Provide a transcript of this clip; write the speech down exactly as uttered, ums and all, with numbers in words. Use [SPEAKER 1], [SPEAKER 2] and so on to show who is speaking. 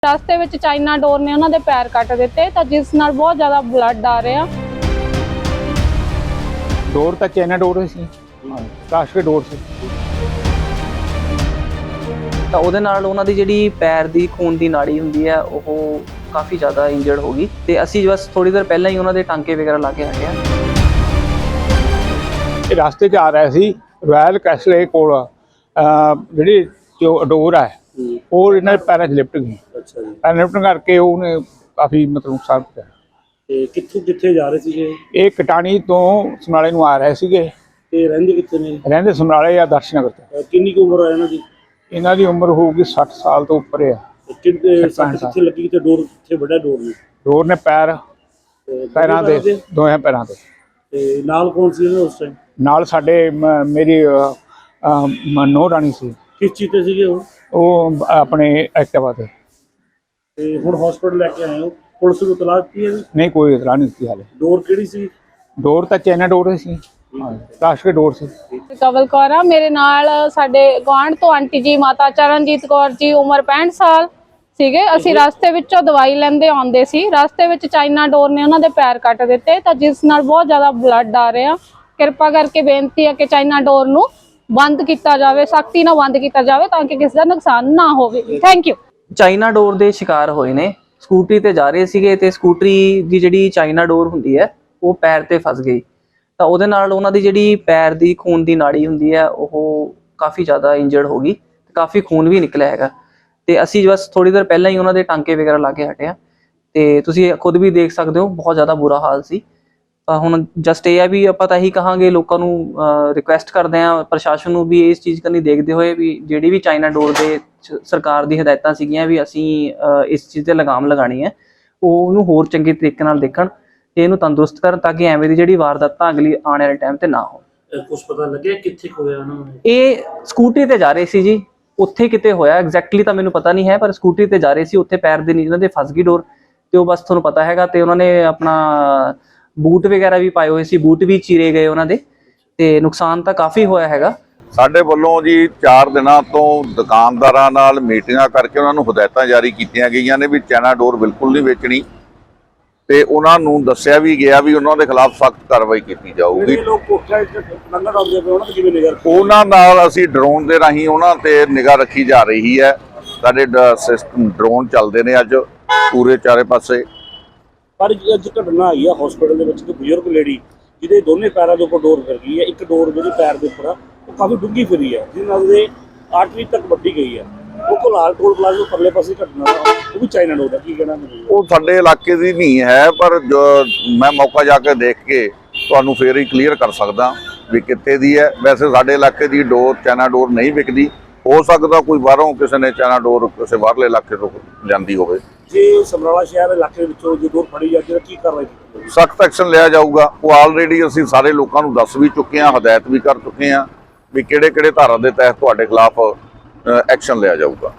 [SPEAKER 1] रास्ते में China door ने उन्होंने पैर कट दिते तो जिस नाल बहुत ज़्यादा ब्लड आ रहा।
[SPEAKER 2] डोर तो चाइना डोर सी प्लास्टिक डोर सी
[SPEAKER 3] ਤਾਂ ਉਹਦੇ ਨਾਲ ਉਹਨਾਂ ਦੀ ਜਿਹੜੀ ਪੈਰ ਦੀ ਖੂਨ ਦੀ ਨਾੜੀ ਹੁੰਦੀ ਹੈ ਉਹ ਕਾਫੀ ਜ਼ਿਆਦਾ ਇੰਜਰਡ ਹੋ ਗਈ ਤੇ ਅਸੀਂ ਬਸ ਥੋੜੀ ਦੇਰ ਪਹਿਲਾਂ ਹੀ ਉਹਨਾਂ ਦੇ ਟਾਂਕੇ ਵਗੈਰਾ ਲਾ ਕੇ ਹਟਿਆ।
[SPEAKER 2] ਇਹ ਰਸਤੇ 'ਚ ਆ ਰਿਹਾ ਸੀ ਰਾਇਲ ਕੈਸਲੇ ਕੋਲ ਜਿਹੜੀ ਡੋਰ ਹੈ ਉਹ ਇਹਨਾਂ ਦੇ ਪੈਰਾਂ 'ਚ ਲਿਪਟ ਗਈ।
[SPEAKER 4] ਅੱਛਾ ਜੀ।
[SPEAKER 2] ਪੈਰ ਲਿਪਟਣ ਕਰਕੇ ਉਹਨੇ ਕਾਫੀ ਮਤਲਬ ਨੁਕਸਾਨ ਕੀਤਾ।
[SPEAKER 4] ਤੇ ਕਿੱਥੋਂ ਕਿੱਥੇ ਜਾ ਰਹੇ ਸੀਗੇ?
[SPEAKER 2] ਇਹ ਕਟਾਣੀ ਤੋਂ ਸਮਰਾਲੇ ਨੂੰ ਆ ਰਹੇ ਸੀਗੇ।
[SPEAKER 4] ਤੇ ਰਹਿੰਦੇ ਕਿੱਥੇ ਨੇ?
[SPEAKER 2] ਰਹਿੰਦੇ ਸਮਰਾਲੇ ਜਾਂ ਦਰਸ਼ਨਗਰ ਤੇ।
[SPEAKER 4] ਕਿੰਨੀ ਕੁ ਉਮਰ ਹੈ ਇਹਨਾਂ ਦੀ?
[SPEAKER 2] ਇਹਨਾਂ ਦੀ ਉਮਰ ਹੋਊਗੀ ਸੱਠ ਸਾਲ ਤੋਂ ਉੱਪਰ ਆ।
[SPEAKER 4] ਕਿੰਨੇ ਸੱਟ ਕਿੱਥੇ ਲੱਗੀ ਤੇ ਡੋਰ ਕਿੱਥੇ ਵੱਡਾ ਡੋਰ ਨੇ?
[SPEAKER 2] ਡੋਰ ਨੇ ਪੈਰ ਪੈਰਾਂ ਦੇ ਦੋਹਾਂ ਪੈਰਾਂ ਤੇ।
[SPEAKER 4] ਤੇ ਨਾਲ ਕੌਣ ਸੀ ਇਹਨਾਂ ਉਸ ਟਾਈਮ?
[SPEAKER 2] ਨਾਲ ਸਾਡੇ ਮੇਰੀ ਮਨੋ ਰਾਣੀ ਸੀ।
[SPEAKER 4] ਕਿਸ ਚੀਜ਼ ਤੇ ਸੀਗੇ ਉਹ?
[SPEAKER 2] ਉਹ ਆਪਣੇ ਐਕਟਿਵਾ ਤੇ।
[SPEAKER 4] ਤੇ ਹੁਣ ਹਸਪੀਟਲ ਲੈ ਕੇ ਆਏ ਹੋ? ਪੁਲਿਸ ਨੂੰ ਇਤਲਾਹ ਦਿੱਤੀ ਹੈ?
[SPEAKER 2] ਨਹੀਂ ਕੋਈ ਇਤਲਾਹ ਨਹੀਂ ਦਿੱਤੀ ਹਾਲੇ।
[SPEAKER 4] ਡੋਰ ਕਿਹੜੀ ਸੀ?
[SPEAKER 2] ਡੋਰ ਤਾਂ ਚਾਈਨਾ ਡੋਰ ਸੀ, ਪਲਾਸਟਿਕ ਡੋਰ ਸੀ।
[SPEAKER 1] ਕਵਲ ਕੌਰ ਆ ਮੇਰੇ ਨਾਲ। ਸਾਡੇ ਗੁਆਂਢ ਤੋਂ ਆਂਟੀ ਜੀ ਮਾਤਾ ਚਰਨਜੀਤ ਕੌਰ ਜੀ ਉਮਰ ਪੈਂਹਠ ਸਾਲ ਸੀਗੇ। ਅਸੀਂ ਰਸਤੇ ਵਿੱਚੋਂ ਦਵਾਈ ਲੈਂਦੇ ਆਉਂਦੇ ਸੀ। ਰਸਤੇ ਵਿੱਚ ਚਾਈਨਾ ਡੋਰ ਨੇ ਉਹਨਾਂ ਦੇ ਪੈਰ ਕੱਟ ਦਿੱਤੇ ਤਾਂ ਜਿਸ ਨਾਲ ਬਹੁਤ ਜ਼ਿਆਦਾ ਬਲੱਡ ਆ ਰਿਹਾ। ਕਿਰਪਾ ਕਰਕੇ ਬੇਨਤੀ ਹੈ ਕਿ ਚਾਈਨਾ ਡੋਰ ਨੂੰ ਬੰਦ ਕੀਤਾ ਜਾਵੇ, ਸਖਤੀ ਨਾਲ ਬੰਦ ਕੀਤਾ ਜਾਵੇ ਤਾਂ ਕਿ ਕਿਸੇ ਦਾ ਨੁਕਸਾਨ ਨਾ ਹੋਵੇ। Thank you.
[SPEAKER 3] ਚਾਈਨਾ ਡੋਰ ਦੇ ਸ਼ਿਕਾਰ ਹੋਏ ਨੇ। ਸਕੂਟਰੀ ਤੇ ਜਾ ਰਹੇ ਸੀਗੇ ਤੇ ਸਕੂਟਰੀ ਦੀ ਜਿਹੜੀ ਚਾਈਨਾ ਡੋਰ ਹੁੰਦੀ ਹੈ ਉਹ ਪੈਰ ਤੇ ਫਸ ਗਈ ਤਾਂ ਉਹਦੇ ਨਾਲ ਉਹਨਾਂ ਦੀ ਜਿਹੜੀ ਪੈਰ ਦੀ ਖੂਨ ਦੀ ਨਾੜੀ ਹੁੰਦੀ ਹੈ ਉਹ ਕਾਫੀ ਜ਼ਿਆਦਾ ਇੰਜਰਡ ਹੋ ਗਈ ਤੇ ਕਾਫੀ ਖੂਨ ਵੀ ਨਿਕਲਿਆ ਹੈਗਾ ਤੇ ਅਸੀਂ ਬਸ ਥੋੜੀ ਦੇਰ ਪਹਿਲਾਂ ਹੀ ਉਹਨਾਂ ਦੇ ਟਾਂਕੇ ਵਗੈਰਾ ਲਾ ਕੇ ਹਟਿਆ ਤੇ ਤੁਸੀਂ ਖੁਦ ਵੀ ਦੇਖ ਸਕਦੇ ਹੋ ਬਹੁਤ ਜ਼ਿਆਦਾ ਬੁਰਾ ਹਾਲ ਸੀ। ਤਾਂ ਹੁਣ ਜਸਟ ਇਹ ਹੈ ਵੀ ਆਪਾਂ ਤਾਂ ਇਹੀ ਕਹਾਂਗੇ ਲੋਕਾਂ ਨੂੰ ਰਿਕੁਐਸਟ ਕਰਦੇ ਹਾਂ ਪ੍ਰਸ਼ਾਸਨ ਨੂੰ ਵੀ ਇਸ ਚੀਜ਼ ਕਰਨੀ ਦੇਖਦੇ ਹੋਏ ਵੀ ਜਿਹੜੀ ਵੀ ਚਾਈਨਾ ਡੋਰ ਦੇ ਸਰਕਾਰ ਦੀ ਹਦਾਇਤਾਂ ਸੀਗੀਆਂ ਵੀ ਅਸੀਂ ਇਸ ਚੀਜ਼ ਤੇ ਲਗਾਮ ਲਗਾਣੀ ਹੈ ਉਹ ਉਹਨੂੰ ਹੋਰ ਚੰਗੇ ਤਰੀਕੇ ਨਾਲ ਦੇਖਣ ਤੇ ਇਹਨੂੰ ਤੰਦਰੁਸਤ ਕਰਨ ਤਾਂ ਕਿ ਐਵੇਂ ਦੀ ਜਿਹੜੀ ਵਾਰਦਾਤਾਂ ਅਗਲੀ ਆਉਣ ਵਾਲੇ ਟਾਈਮ ਤੇ ਨਾ ਹੋਣ।
[SPEAKER 4] ਕੁਝ ਪਤਾ ਲੱਗਿਆ ਕਿੱਥੇ ਹੋਇਆ ਉਹਨਾਂ ਨੂੰ?
[SPEAKER 3] ਇਹ ਸਕੂਟਰੀ ਤੇ ਜਾ ਰਹੇ ਸੀ ਜੀ, ਉੱਥੇ ਕਿਤੇ ਹੋਇਆ ਐਗਜ਼ੈਕਟਲੀ ਤਾਂ ਮੈਨੂੰ ਪਤਾ ਨਹੀਂ ਹੈ ਪਰ ਸਕੂਟਰੀ ਤੇ ਜਾ ਰਹੇ ਸੀ ਉੱਥੇ ਪੈਰ ਦੇ ਨੀਚੇ ਉਹਨਾਂ ਦੇ ਫਸ ਗਈ ਡੋਰ ਤੇ ਉਹ ਬਸ ਤੁਹਾਨੂੰ ਪਤਾ ਹੈਗਾ ਤੇ ਉਹਨਾਂ ਨੇ ਆਪਣਾ ਬੂਟ ਵਗੈਰਾ ਵੀ ਪਾਏ ਹੋਏ ਸੀ, ਬੂਟ ਵੀ ਚੀਰੇ ਗਏ ਉਹਨਾਂ ਦੇ ਤੇ ਨੁਕਸਾਨ ਤਾਂ ਕਾਫੀ ਹੋਇਆ ਹੈਗਾ।
[SPEAKER 5] ਸਾਡੇ ਵੱਲੋਂ ਜੀ ਚਾਰ ਦਿਨਾਂ ਤੋਂ ਦੁਕਾਨਦਾਰਾਂ ਨਾਲ ਮੀਟਿੰਗਾਂ ਕਰਕੇ ਉਹਨਾਂ ਨੂੰ ਹਦਾਇਤਾਂ ਜਾਰੀ ਕੀਤੀਆਂ ਗਈਆਂ ਨੇ ਵੀ ਚਾਈਨਾ ਡੋਰ ਬਿਲਕੁਲ ਨਹੀਂ ਵੇਚਣੀ ਤੇ ਉਹਨਾਂ ਨੂੰ ਦੱਸਿਆ ਵੀ ਗਿਆ ਵੀ ਉਹਨਾਂ ਦੇ ਖਿਲਾਫ ਸਖਤ ਕਾਰਵਾਈ ਕੀਤੀ ਜਾਊਗੀ। ਉਹਨਾਂ ਨਾਲ ਅਸੀਂ ਡਰੋਨ ਦੇ ਰਾਹੀਂ ਉਹਨਾਂ ਤੇ ਨਿਗਾਹ ਰੱਖੀ ਜਾ ਰਹੀ ਹੈ। ਸਾਡੇ ਸਿਸਟਮ ਡਰੋਨ ਚੱਲਦੇ ਨੇ ਅੱਜ ਪੂਰੇ ਚਾਰੇ ਪਾਸੇ।
[SPEAKER 4] ਪਰ ਅੱਜ ਘਟਨਾ ਆਈ ਆ ਹਸਪੀਟਲ ਦੇ ਵਿੱਚ ਇੱਕ ਬਜ਼ੁਰਗ ਲੇਡੀ ਜਿਹਦੇ ਦੋਨੇ ਪੈਰਾਂ ਦੇ ਉੱਪਰ ਡੋਰ ਫਿਰ ਗਈ ਹੈ। ਇੱਕ ਡੋਰ ਜਿਹੜੀ ਪੈਰ ਦੇ ਉੱਪਰ ਆ ਉਹ ਕਾਫੀ ਡੂੰਘੀ ਫਿਰੀ ਹੈ ਜਿਹਦੇ ਨਾਲ ਉਹਦੇ ਆਰਟਰੀ ਤੱਕ ਵੱਢੀ ਗਈ ਹੈ। ਉਹ ਕੋਲਾਲ ਟੋਲ ਪਲਾਜ਼ਾ ਪਰਲੇ ਪਾਸੇ ਘਟਨਾ ਉਹ ਵੀ ਚਾਈਨਾ ਡੋਰ ਦਾ ਕੀ ਕਹਿਣਾ?
[SPEAKER 5] ਉਹ ਸਾਡੇ ਇਲਾਕੇ ਦੀ ਨਹੀਂ ਹੈ ਪਰ ਮੈਂ ਮੌਕਾ ਜਾ ਕੇ ਦੇਖ ਕੇ ਤੁਹਾਨੂੰ ਫੇਰ ਹੀ ਕਲੀਅਰ ਕਰ ਸਕਦਾ ਵੀ ਕਿੱਥੇ ਦੀ ਹੈ। ਵੈਸੇ ਸਾਡੇ ਇਲਾਕੇ ਦੀ ਡੋਰ ਚਾਈਨਾ ਡੋਰ ਨਹੀਂ ਵਿਕਦੀ। ਹੋ ਸਕਦਾ ਕੋਈ ਬਾਹਰੋਂ ਕਿਸੇ ਨੇ ਚਾਈਨਾ ਡੋਰ ਕਿਸੇ ਬਾਹਰਲੇ ਇਲਾਕੇ ਤੋਂ ਜਾਂਦੀ ਹੋਵੇ।
[SPEAKER 4] ਜੇ ਸਮਰਾਲਾ ਸ਼ਹਿਰ ਦੇ ਇਲਾਕੇ ਵਿੱਚੋਂ ਜੇ ਡੋਰ ਫੜੀ ਜਾਂਦੀ ਤਾਂ ਕੀ ਕਾਰਵਾਈ ਕੀਤੀ?
[SPEAKER 5] ਸਖਤ ਐਕਸ਼ਨ ਲਿਆ ਜਾਊਗਾ। ਉਹ ਆਲਰੇਡੀ ਅਸੀਂ ਸਾਰੇ ਲੋਕਾਂ ਨੂੰ ਦੱਸ ਵੀ ਚੁੱਕੇ ਹਾਂ, ਹਦਾਇਤ ਵੀ ਕਰ ਚੁੱਕੇ ਹਾਂ ਵੀ ਕਿਹੜੇ ਕਿਹੜੇ ਧਾਰਾ ਦੇ ਤਹਿਤ ਤੁਹਾਡੇ ਖਿਲਾਫ ਐਕਸ਼ਨ ਲਿਆ ਜਾਊਗਾ।